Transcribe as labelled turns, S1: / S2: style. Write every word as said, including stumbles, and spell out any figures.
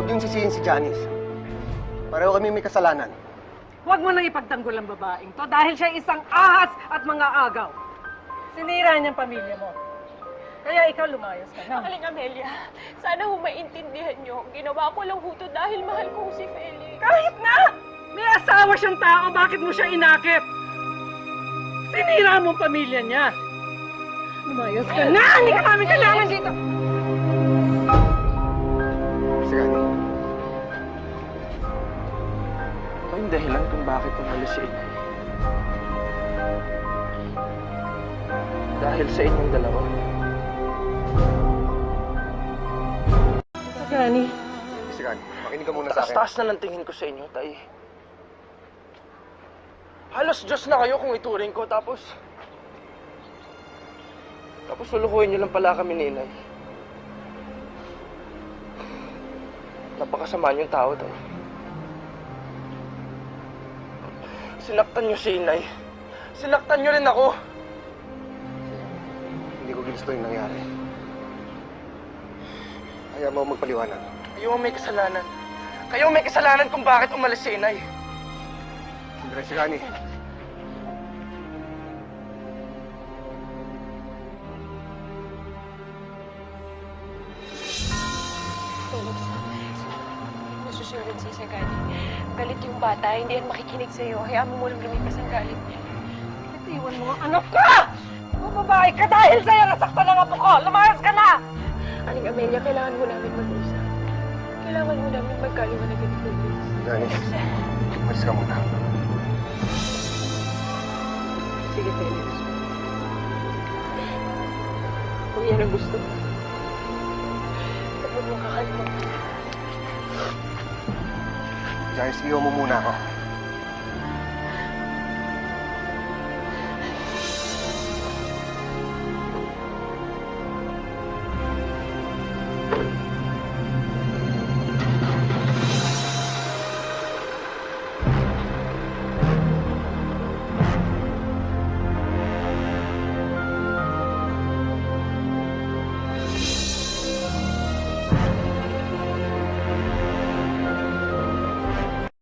S1: Huwag niyong sisihin si Janice. Pareho kami may kasalanan.
S2: Huwag mo nang ipagtanggol ang babaeng to dahil siya isang ahas at mga agaw. Sinira niyang pamilya mo. Kaya ikaw lumayas ka na.
S3: Aling Amelia, sana ho maintindihan niyo. Ginawa ko lang ho to dahil mahal ko si Felix.
S2: Kahit na! May asawa siyang tao, bakit mo siya inakit? Sinira mo ang pamilya niya. Lumayas ka na! Hindi ka namin kailangan dito!
S1: Sige, Ani.
S4: Ano yung dahilan kung bakit umalis si Inay? Dahil sa inyong dalawa.
S2: Gani.
S1: Sige, Ani. Makinig ka muna sa akin.
S4: Taas-taas na ng tingin ko sa inyo, Tay. Halos Diyos na kayo kung ituring ko, tapos... Tapos lulukuhin niyo lang pala kami ni Inay. Napakasama niyong tao, Tay. Sinaktan niyo si Inay. Sinaktan niyo rin ako.
S1: Hindi ko ginusto yung nangyari. Kaya mo magpaliwanag.
S4: Kayo ang may kasalanan. Kayo ang may kasalanan kung bakit umalis si Inay.
S1: Sandra, sige, Ani.
S3: Felix, nasusunod si Sagani. Galit yung bata, hindi yan makikinig sa'yo. Hayaan mo munang lumipas ang galit niya.
S2: Iwan mo ang anak ka! Mababae ka dahil sa'yo nasaktan ang apo ko! Lumayas ka na!
S3: Aling Amelia, kailangan mo namin mag-usap. Kailangan mo namin magkaliwanag ng Felix.
S1: Janice, umalis ka muna.
S3: Sige, Felix. Kung yan ang gusto mo, huwag mo kakalimutan.
S1: Janice, iwan mo muna ako.